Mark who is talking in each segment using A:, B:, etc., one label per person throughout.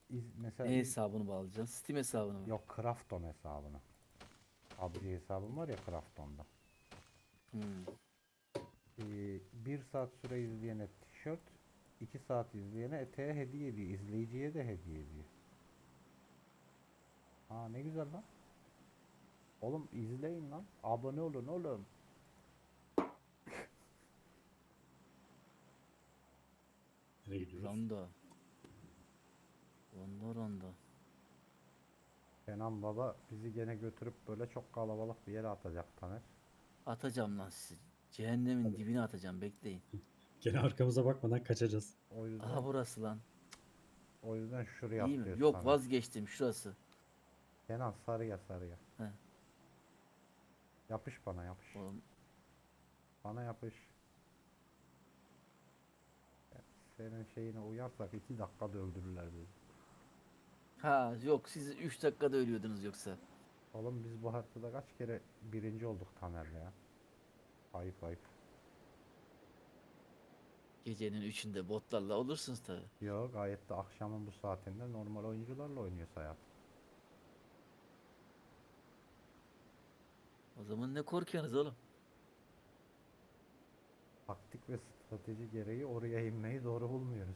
A: mesela
B: Ne hesabını bağlayacaksın? Steam hesabını mı?
A: yok, Krafton hesabını. PUBG hesabım var ya Krafton'da.
B: Hmm.
A: 1 saat süre izleyene tişört, 2 saat izleyene eteğe hediye ediyor. İzleyiciye de hediye ediyor. Aa, ne güzel lan. Oğlum izleyin lan. Abone olun oğlum.
C: Nereye gidiyoruz?
B: Ronda. Ronda ronda.
A: Kenan Baba bizi gene götürüp böyle çok kalabalık bir yere atacak Taner.
B: Atacağım lan sizi. Cehennemin
C: Hadi.
B: dibine atacağım, bekleyin.
C: Gene arkamıza bakmadan kaçacağız.
A: O yüzden
B: Aha burası lan.
A: o yüzden şuraya
B: İyi mi?
A: atlıyoruz
B: Yok,
A: Taner.
B: vazgeçtim, şurası.
A: Kenan sarıya sarıya.
B: He.
A: Yapış bana yapış.
B: Oğlum,
A: Bana yapış. Senin şeyine uyarsak 2 dakikada öldürürler bizi.
B: ha yok, siz 3 dakikada ölüyordunuz yoksa.
A: Oğlum biz bu haftada kaç kere birinci olduk Taner'le ya. Ayıp ayıp.
B: Gecenin 3'ünde botlarla olursunuz tabi.
A: Yo, gayet de akşamın bu saatinde normal oyuncularla oynuyoruz hayat.
B: O zaman ne korkuyorsunuz oğlum?
A: Taktik ve strateji gereği oraya inmeyi doğru bulmuyoruz.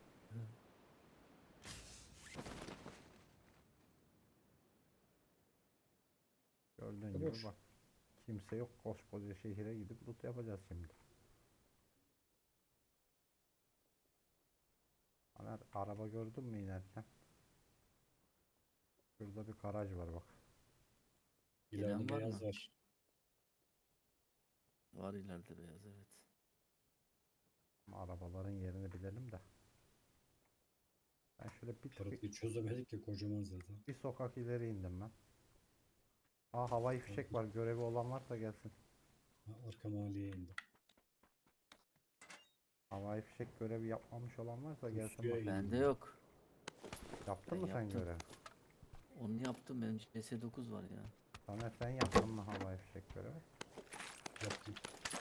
A: Gördüğün gibi
C: Boş.
A: bak. Kimse yok, koskoca şehire gidip loot yapacağız şimdi. Taner, araba gördün mü inerken? Şurada bir garaj var bak.
C: İleride
B: Gelen var
C: beyaz
B: mı?
C: var.
B: Var ileride beyaz, evet.
A: Ama arabaların yerini bilelim de. Ben şöyle bir tık
C: Haritayı çözemedik ki kocaman zaten.
A: bir sokak ileri indim ben. Aa, havai fişek var. Görevi olan varsa gelsin.
C: Ha, arka mahalleye indim.
A: Havai fişek görevi yapmamış olan varsa gelsin
C: Pusuya
A: bak.
C: indim
B: Bende
C: ben.
B: yok.
A: Yaptın
B: Ben
A: mı sen
B: yaptım.
A: görevi?
B: Onu yaptım, benim CS9 var ya.
A: Taner, sen yaptın mı havai fişek görevi?
C: Yaptım.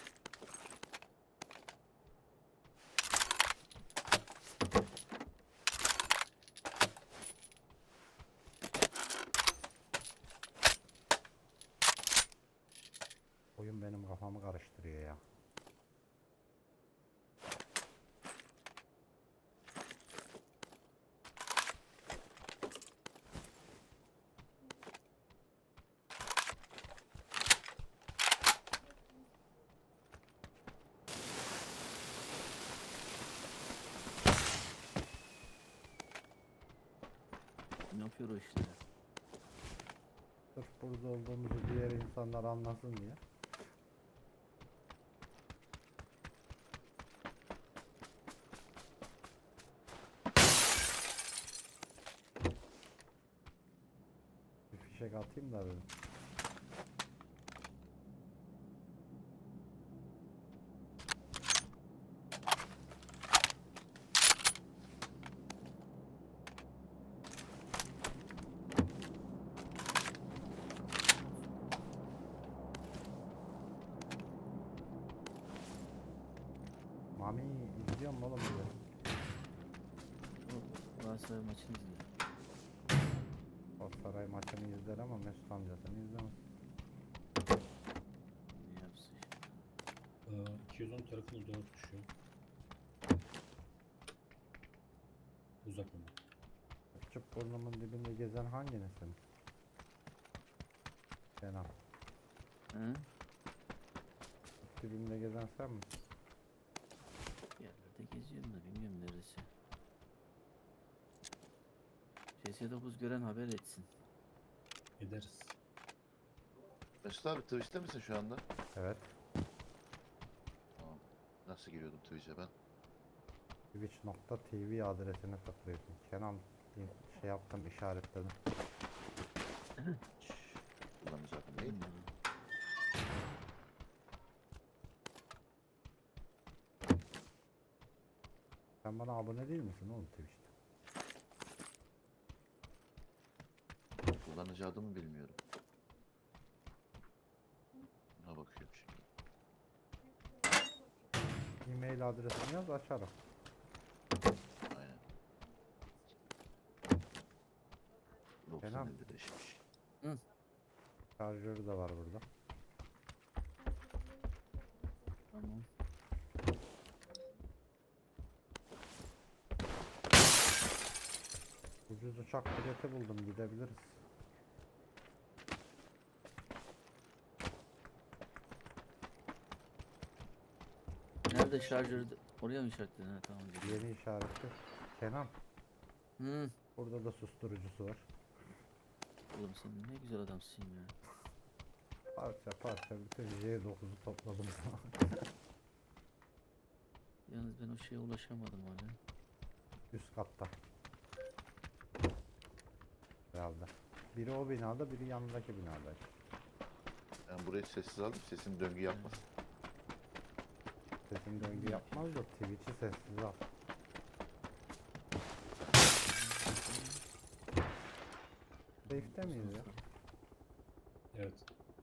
A: Oyun benim kafamı karıştırıyor ya.
B: Ne yapıyor o işte?
A: Sırf burada olduğumuzu diğer insanlar anlasın diye. Bir fişek atayım da dedim. Mami, izliyor mu oğlum bizi?
B: O Galatasaray maçını izliyor.
A: Galatasaray maçını izler ama Mesut amcasını izlemez.
B: Ne yapsın şimdi?
C: 210 tarafına doğru düşüyor. Uzak ama.
A: Çıp burnumun dibinde gezen hanginisin? Kenan.
B: Hı?
A: Dibimde gezen sen misin?
B: Bir yerlerde geziyorum da bilmiyorum neresi. CS9 gören haber etsin.
C: Gideriz.
D: Mesut abi Twitch'te misin şu anda?
A: Evet.
D: Tamam. Nasıl giriyordum Twitch'e ben?
A: Twitch.tv adresine tıklıyorsun. Kenan, şey yaptım, işaretledim.
D: Kullanıcı adım değil.
B: Bilmiyorum.
A: Sen bana abone değil misin oğlum Twitch'te?
D: Kullanıcı adımı bilmiyorum. Buna bakıyorum şimdi.
A: E-mail adresini yaz, açarım.
D: Aynen.
A: Kenan.
D: Kendini deşmiş.
A: Şarjörü de var burada.
B: Tamam.
A: Ucuz uçak bileti buldum, gidebiliriz.
B: Nerede şarjörü? Oraya mı işaretledin? Ha, tamam. Geliyor.
A: Yeni işaretli. Kenan,
B: Hı.
A: burada da susturucusu var.
B: Oğlum sen ne güzel adamsın ya.
A: Parça parça bütün J9'u topladım.
B: Yalnız ben o şeye ulaşamadım hala.
A: Üst katta. Herhalde. Biri o binada, biri yanındaki binada.
D: Ben burayı sessiz aldım. Sesim döngü yapmasın.
A: Sesim döngü yapmaz da Twitch'i sessiz al. Safe'de miyiz ya?
C: Evet.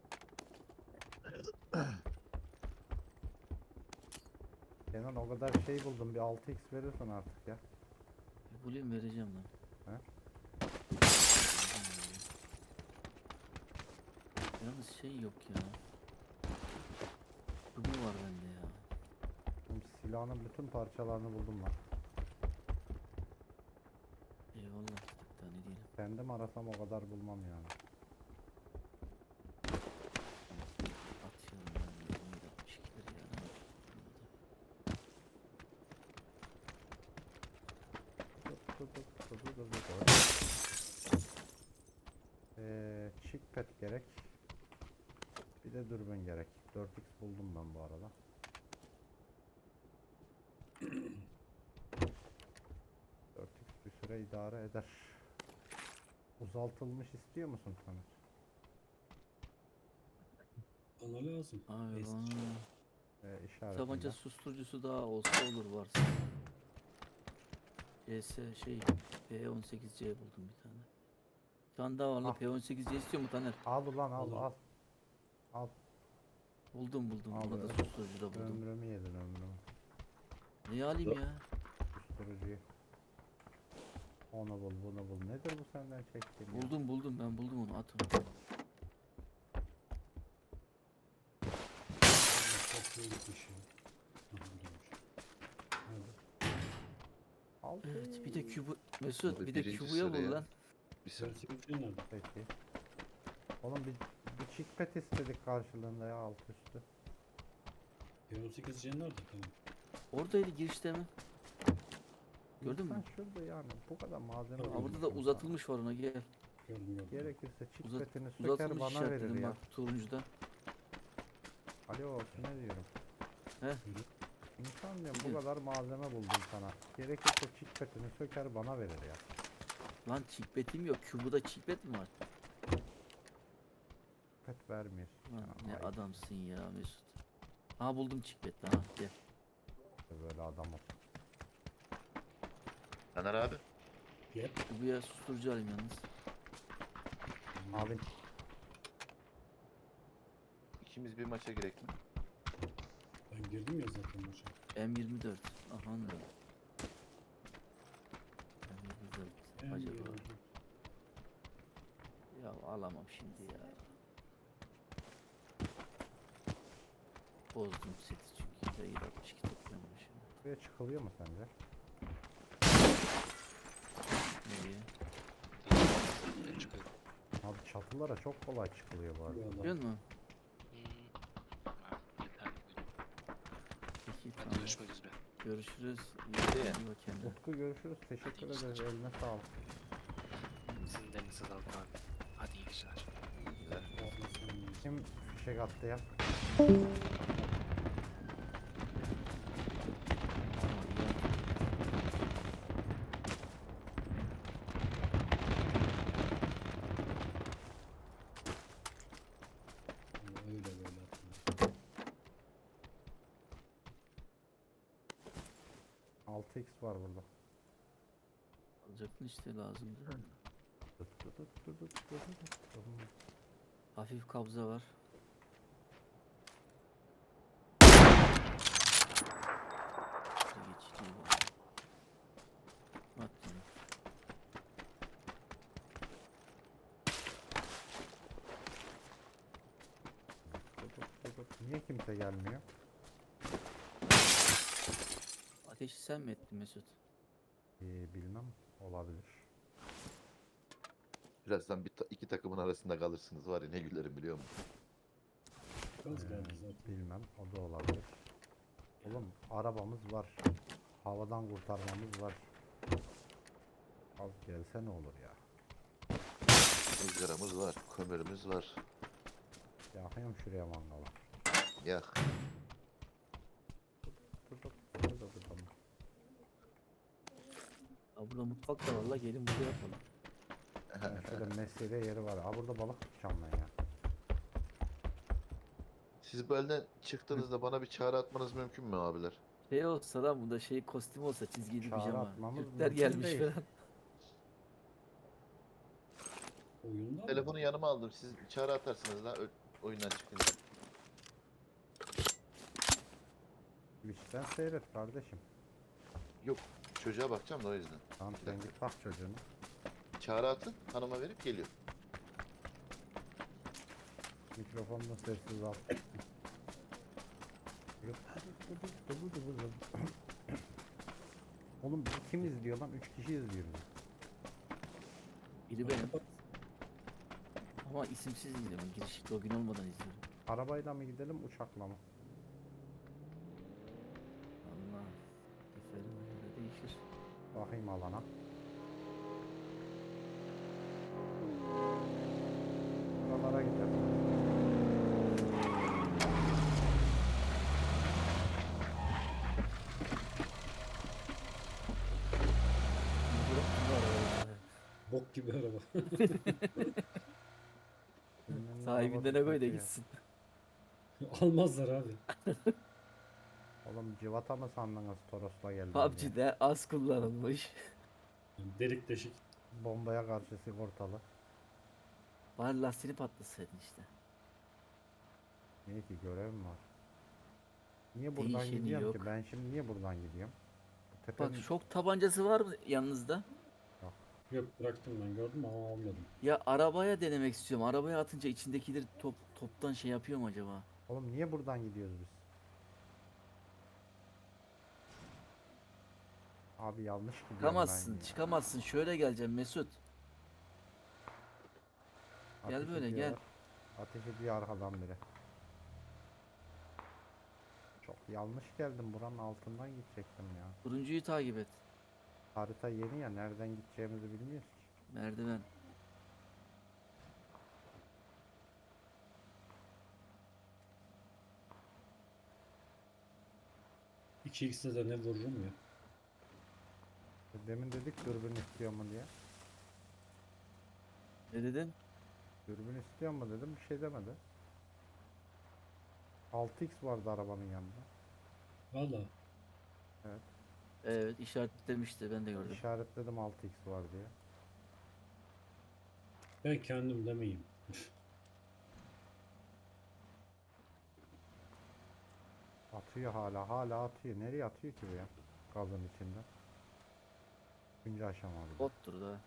A: Kenan o kadar şey buldum, bir 6x verirsin artık ya.
B: Bir bulayım vereceğim lan.
A: He?
B: Yalnız şey yok ya. Kubu var bende ya.
A: Oğlum silahın bütün parçalarını buldum ben.
B: Eyvallah. Hatta ne diyelim.
A: Kendim arasam o kadar bulmam yani.
B: Atıyorum ben. 62'leri ya. Ne yapayım?
A: Chickpad gerek. Bir de dürbün gerek. 4x buldum ben bu arada. Bir süre idare eder. Uzaltılmış istiyor musun Taner?
C: Bana lazım.
B: Abi
C: Eski.
B: bana
A: İşaretinde.
B: tabanca susturucusu daha olsa olur varsa. CS şey P18C buldum bir tane. Bir tane daha var la
A: Ah.
B: P18C istiyor mu Taner?
A: Al ulan al
C: Alırım.
A: al. Al.
B: Buldum.
A: Abi,
B: Buna da susturucu da buldum.
A: Ömrümü yedin ömrümü.
B: Niye alayım ya?
A: Susturucuyu. Onu bul bunu bul. Nedir bu senden çektiğin ya?
B: Buldum ben buldum onu at onu.
C: Çok iyi gitmiş ya. Aha, buradaymış. Nerede?
A: Al.
B: Evet bir de kübü Mesut
D: Abi
B: bir de
D: birinci
B: kübüye bul
D: sıraya.
B: lan.
D: Bir saniye.
C: 48 nerede?
A: Peki. Oğlum bir chickpad istedik karşılığında ya alt üstü.
C: P18 nerede? Tamam.
B: Oradaydı girişte mi? Gördün mü?
A: İnsan şurada yani bu kadar malzeme
C: Tabii.
B: Aa, burada da
A: bulmuş
B: uzatılmış var ona gel.
C: Gördüm.
A: Gerekirse
B: Uzat,
A: chickpad'ini söker
B: uzatılmış
A: bana verir
B: işaretledim
A: ya.
B: bak turuncuda.
A: Alo ne diyorum?
B: He?
A: İnsan diyorum bu
B: Biliyorum.
A: kadar malzeme buldum sana. Gerekirse chickpad'ini söker bana verir ya.
B: Lan çikbetim yok. Kübüde çikbet mi var?
A: Chickpad vermiyor.
B: Lan
A: Ya,
B: ne
A: ayıp
B: adamsın ya Mesut. Ha buldum çikbet ha gel.
A: böyle adam ol.
D: Taner abi.
C: Yep.
B: Kübüye susturucu alayım yalnız.
A: Abi
D: İkimiz bir maça girek mi?
C: Ben girdim ya zaten maça.
B: M24. Aha da. M24.
C: En
B: Acaba.
C: iyi.
B: Ya alamam şimdi ya. Bozdum seti çünkü. Hayır 62 toplamışım.
A: buraya çıkılıyor mu sence?
B: Nereye?
E: Ben çıkıyorum.
A: Abi çatılara çok kolay çıkılıyor bu arada.
C: Bu
B: Biliyor
C: adam.
B: musun?
E: Ha, yeter.
B: Peki
E: Hadi
B: tamam.
E: görüşmek üzere.
B: Görüşürüz.
D: Hadi.
B: İyi bak kendine.
A: Utku görüşürüz. Teşekkür ederiz. Eline sağlık.
E: Sizin de elinize sağlık abi. Hadi iyi geceler.
A: Kim fişek attı ya?
C: Öyle böyle atıyor.
A: 6x var burada.
B: Alacaktın işte lazımdı. Hafif kabza var. Şöyle geçici var. Attım.
A: Niye kimse gelmiyor?
B: Ateşi sen mi ettin Mesut?
A: Bilmem. Olabilir.
D: Birazdan iki takımın arasında kalırsınız var ya ne gülerim biliyor musun?
C: Gaz geldi zaten.
A: Bilmem. O da olabilir. Oğlum arabamız var. Havadan kurtarmamız var. Az gelse ne olur ya.
D: Izgaramız var, kömürümüz var.
A: Yakıyorum şuraya mangalı.
D: Yak.
B: Aa, burada mutfak da var la, gelin burada yapalım.
A: Şöyle mesire yeri var. Aa burada balık tutacağım ben ya.
D: Siz bu elden çıktığınızda bana bir çağrı atmanız mümkün mü abiler?
B: Şey olsa lan, bunda şey kostüm olsa, çizgili
A: Çağrı
B: pijama.
A: atmamız
B: Türkler
A: mümkün
B: gelmiş
A: değil.
B: falan.
C: Oyunda mı?
D: Telefonu yanıma aldım. Siz çağrı atarsınız da oyundan çıkınca.
A: Twitch'ten seyret kardeşim.
D: Yok, çocuğa bakacağım da o yüzden.
A: Tamam sen git bak çocuğunu.
D: Çağrı atın, hanıma verip geliyor.
A: Mikrofonunu sessiz al. Oğlum bizi kim izliyor lan? 3 kişi izliyor bizi.
B: Biri benim. Ama isimsiz izliyorum. Giriş login olmadan izliyorum.
A: Arabayla mı gidelim uçakla mı?
B: Allah. Seferime göre değişir.
A: Bakayım alana. Buralara gidelim.
C: Bok gibi araba.
A: Birinin
B: Sahibinden
A: arabası
B: koy da
A: kötü ya.
B: gitsin.
C: Almazlar abi.
A: Oğlum civata mı sandınız Toros'la geldim diye?
B: PUBG'de az kullanılmış.
C: Delik deşik.
A: Bombaya karşı sigortalı.
B: Bari lastiğini patlasaydın işte.
A: Niye ki görevim var. Niye buradan
B: Değişeni
A: gidiyorum ki?
B: yok.
A: Ben şimdi niye buradan gidiyorum? Bu
B: Bak
A: tepenin...
B: şok tabancası var mı yanınızda?
C: Yok bıraktım ben gördüm ama almadım.
B: Ya arabaya denemek istiyorum. Arabaya atınca içindekileri toptan şey yapıyor mu acaba?
A: Oğlum niye buradan gidiyoruz biz? Abi yanlış gidiyorum
B: Çıkamazsın,
A: ben ya.
B: çıkamazsın. Şöyle geleceğim Mesut. Gel
A: Ateş
B: böyle,
A: ediyorlar.
B: gel.
A: Ateş ediyor arkadan biri. Çok yanlış geldim. Buranın altından gidecektim ya.
B: Turuncuyu takip et.
A: Harita yeni ya. Nereden gideceğimizi bilmiyoruz ki.
B: Merdiven.
C: İki x'de de ne vururum ya.
A: Demin dedik dürbün istiyor mu diye.
B: Ne dedin?
A: Dürbün istiyor mu dedim. Bir şey demedi. 6x vardı arabanın yanında.
C: Valla.
B: Evet, işaretlemişti, ben de gördüm.
A: İşaretledim 6x var diye.
C: Ben kendim demeyeyim.
A: Atıyor hala atıyor. Nereye atıyor ki bu ya? Gazın içinde. Üçüncü aşama bir de.
B: Bottur da.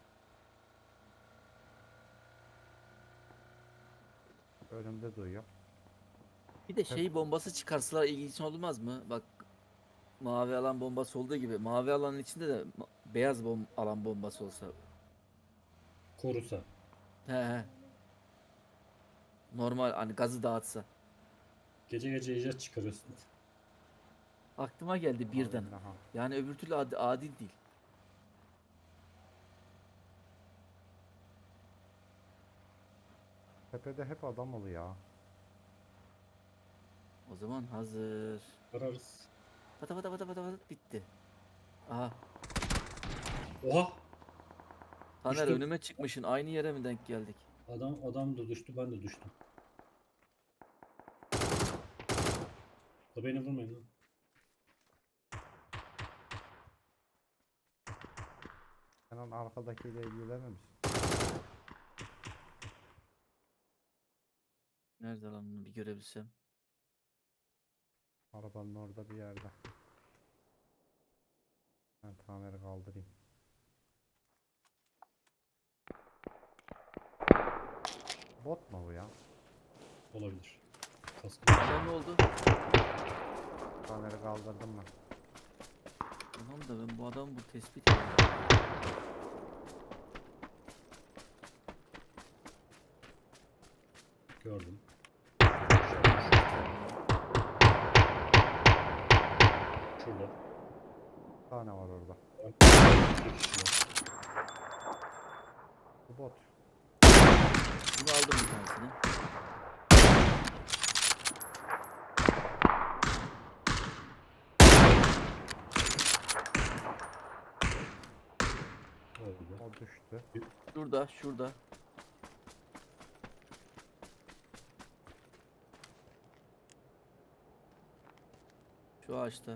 A: Önümde duyuyor.
B: Bir de şey bombası çıkarsalar ilginç olmaz mı? Bak, mavi alan bombası olduğu gibi mavi alanın içinde de beyaz alan bombası olsa.
C: Korusa.
B: He. Normal hani gazı dağıtsa.
C: Gece gece icat çıkarıyorsun.
B: Aklıma geldi birden.
A: Aha.
B: Yani öbür türlü adil değil.
A: Tepede hep adam oluyor.
B: O zaman hazır.
C: Ararız.
B: Pata pata pata pata pata bitti. Aha.
C: Oha!
B: Taner
C: Düştüm.
B: önüme çıkmışın. Aynı yere mi denk geldik?
C: Adam da düştü ben de düştüm. Da beni vurmayın lan.
A: Sen onun arkadakiyle ilgilenir misin?
B: Nerede lan, bunu bir görebilsem.
A: Arabanın orada bir yerde. Ben Taner'i kaldırayım. Bot mu bu ya?
C: Olabilir. Kaskı.
B: Adam ne oldu?
A: Kamera kaldırdım ben.
B: Tamam da ben bu adamı bu tespit ediyorum.
C: Gördüm. Şurada.
A: Bir tane var orada.
C: Bir kişi var.
A: Bu bot.
B: Bunu aldım bir tanesini.
C: Öldü.
A: O düştü.
B: Şurada, şurada. Şu ağaçta.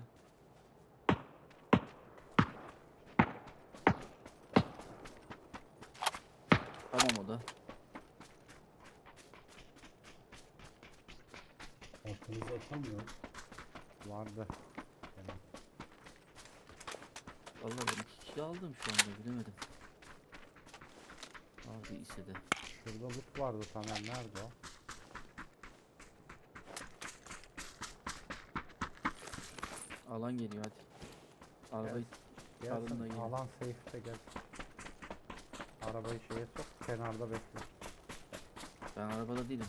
B: Tamam o da.
C: Arkamızda atamıyor.
A: Vardı. Benim.
B: Vallahi ben 2 kill aldım şu anda bilemedim. Abi ise de.
A: Şurada loot vardı Taner. Nerede o?
B: Alan geliyor hadi. Arabayı Alın da
A: Gelsin.
B: gelin.
A: Alan safe'te gel. Arabayı şeye sok. Kenarda bekle.
B: ben arabada değilim.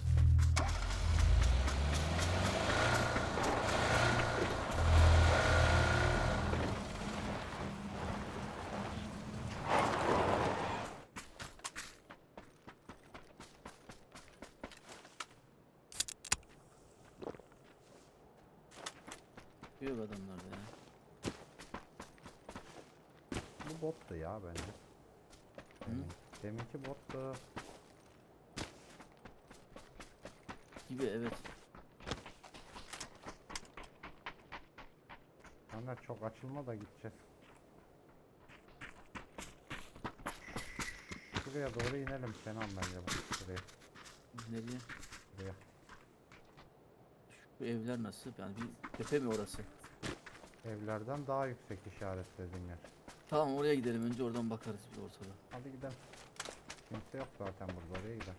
B: Yok adamlar da ya.
A: Bu bottu ya bence. Deminki bottu.
B: Gibi evet.
A: Taner çok açılma da gideceğiz. Şuraya doğru inelim Kenan bence bak. Şuraya.
B: Nereye?
A: Şuraya.
B: Şu evler nasıl? Yani bir tepe mi orası?
A: Evlerden daha yüksek işaretlediğin yer.
B: Tamam oraya gidelim. Önce oradan bakarız bir ortada.
A: Hadi gidelim. Kimse yok zaten burada. Oraya gidelim.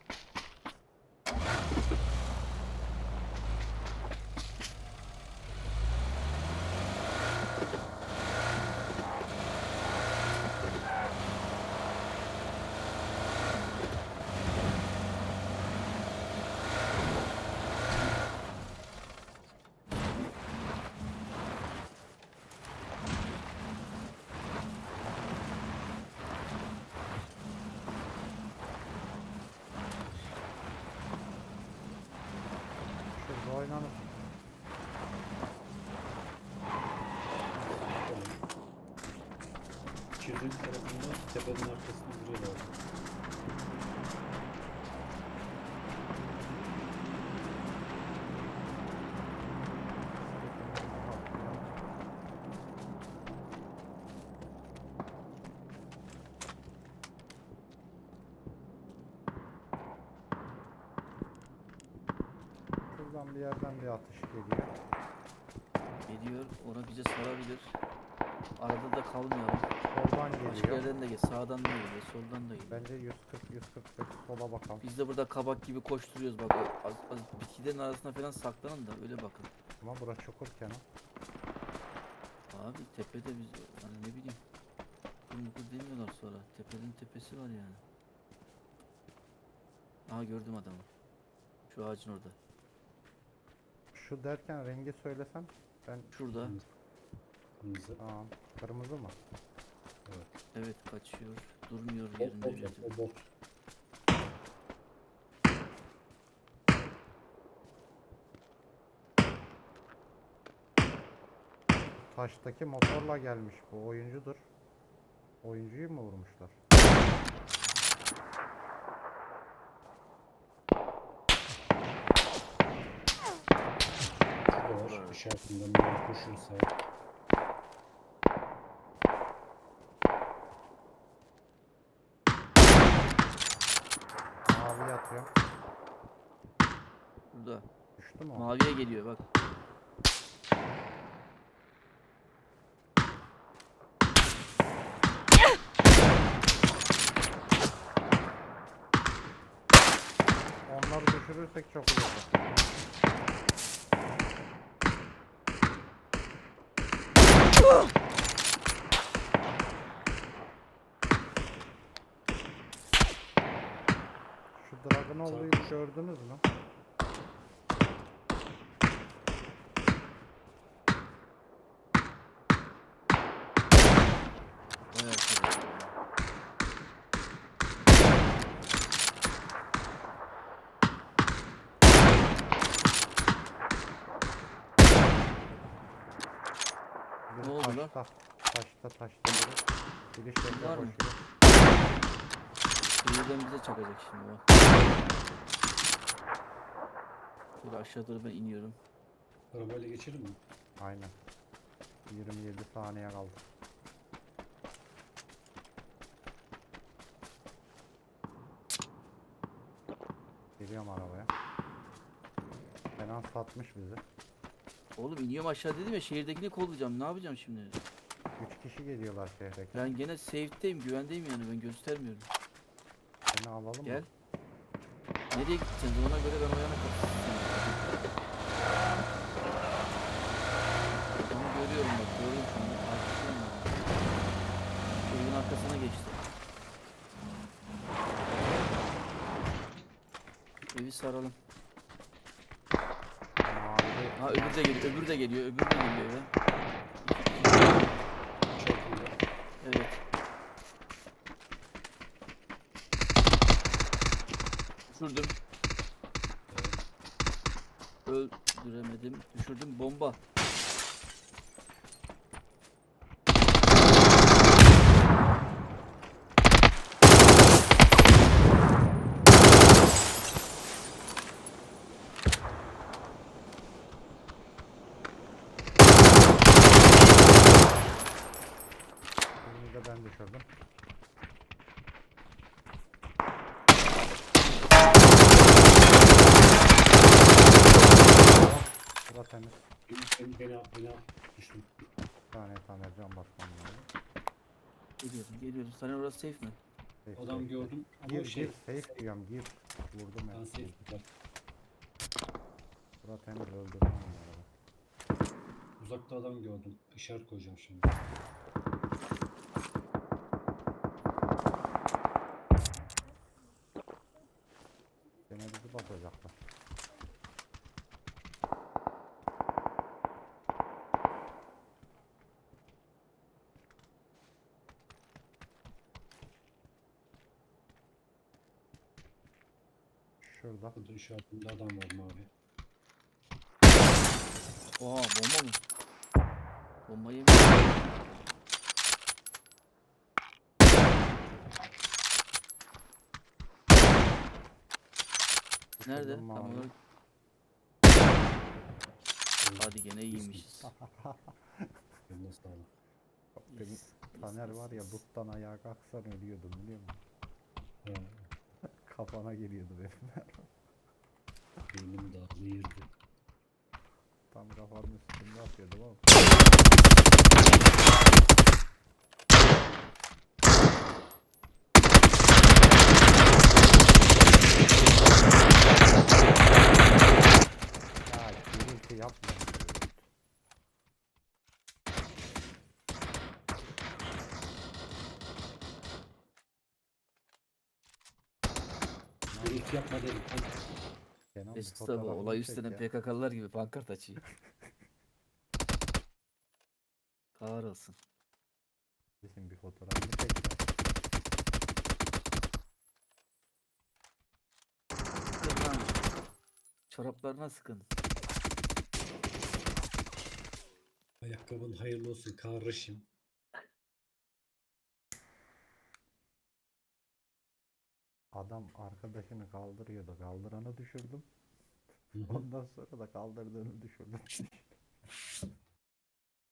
A: Şurada oynanır.
C: Çiftlik tarafında tepenin arkasında duruyorlar.
A: Şuradan bir yerden bir atış geliyor.
B: Geliyor. Ona bize sarabilir. Arada da kalmayalım.
A: Soldan
B: Başka
A: geliyor.
B: yerden de geliyor. Sağdan da geliyor. Soldan da geliyor.
A: Bence 140-145 sola bakalım.
B: Biz de burada kabak gibi koşturuyoruz bak. Az bitkilerin arasına falan saklanın da öyle bakın.
A: Ama bura çukur Kenan.
B: Abi tepede biz hani ne bileyim. Kurmukur demiyorlar sonra. Tepenin tepesi var yani. Aha gördüm adamı. Şu ağacın orada.
A: Şu derken rengi söylesem ben
B: Şurada.
C: Kırmızı.
A: tamam. Kırmızı mı?
B: Evet kaçıyor. Durmuyor
C: Bot
B: yerinde
C: bot
B: bir
C: bot
B: türlü.
C: o bot.
A: Taştaki motorla gelmiş bu oyuncudur. Oyuncuyu mu vurmuşlar?
C: Şurada var.
B: Evet.
C: İşaretinden bir koşuyor sağa.
A: Mavi atıyor.
B: Burada.
A: Düştü mü o?
B: Maviye geliyor bak.
A: Onları düşürürsek çok iyi olur. Dragunov'u gördünüz mü?
B: Bayağı kere.
A: Biri
B: Ne oldu lan?
A: taşta biri. Biri şeyde
B: Var mı?
A: koşuyor.
B: Birden bize çakacak şimdi bak. Şöyle aşağı doğru ben iniyorum.
C: Arabayla geçelim mi?
A: Aynen. 27 saniye kaldı. Geliyorum arabaya. Kenan satmış bizi.
B: Oğlum iniyorum aşağı dedim ya, şehirdekini kollayacağım. Ne yapacağım şimdi?
A: 3 kişi geliyorlar şehre.
B: Ben gene safe'deyim, güvendeyim yani, ben göstermiyorum.
A: Seni alalım
B: Gel.
A: mı?
B: Nereye gideceğiz? Ona göre ben o yana kaçacağım. Onu görüyorum bak, gördüm şimdi. Takipteyim ben. Evin arkasına geçti. Evi saralım.
A: Mavi.
B: Ha öbürü de geliyor, öbürü de geliyor, öbürü de geliyor eve.
C: Çok iyi.
B: Evet. Düşürdüm. Öldüremedim. Düşürdüm. Bomba.
A: Birini de ben düşürdüm. Bura temiz.
C: Beni al. Düştüm.
A: Bir tane can basmam lazım.
B: Geliyorum. Sana orası safe mi?
A: Safe,
C: Adam
A: safe.
C: gördüm ama
A: Gir
C: şey.
A: safe diyorum gir. Vurdum
C: Ben
A: ya.
C: safe tutar.
A: Bura temiz öldürdüm onları.
C: Uzakta adam gördüm. İşaret koyacağım şimdi.
A: Gene bizi batacaklar. Şurada.
C: Burada işaretinde adam var mavi.
B: Oha, bomba mı? Bomba yemiş. Nerede?
A: Düşürdüm
B: Tam
A: mavi.
B: olarak. Hadi gene iyiymişiz.
C: Eline sağlık.
A: Benim
B: Yes,
A: Taner
B: yes,
A: var ya
B: yes.
A: buttan ayağa kalksan ölüyordum biliyor musun?
C: Ha,
A: Kafana geliyordu benim.
C: beynim dağılıyırdı.
A: Tam kafanın üstünde atıyordum ama. Ya gürültü yapma.
C: Gürültü yapma dedim.
A: Kenan bir
B: Mesut abi olay
A: fotoğrafını çek
B: üstüne
A: ya.
B: PKK'lılar gibi pankart açıyor. Kahrolsun.
A: Bizim bir fotoğrafını çek ya.
B: Sıkın lan. Çoraplarına sıkın.
C: Ayakkabın hayırlı olsun kardeşim.
A: Adam arkadaşını kaldırıyordu. Kaldıranı düşürdüm.
C: Hı hı.
A: Ondan sonra da kaldırdığını düşürdüm.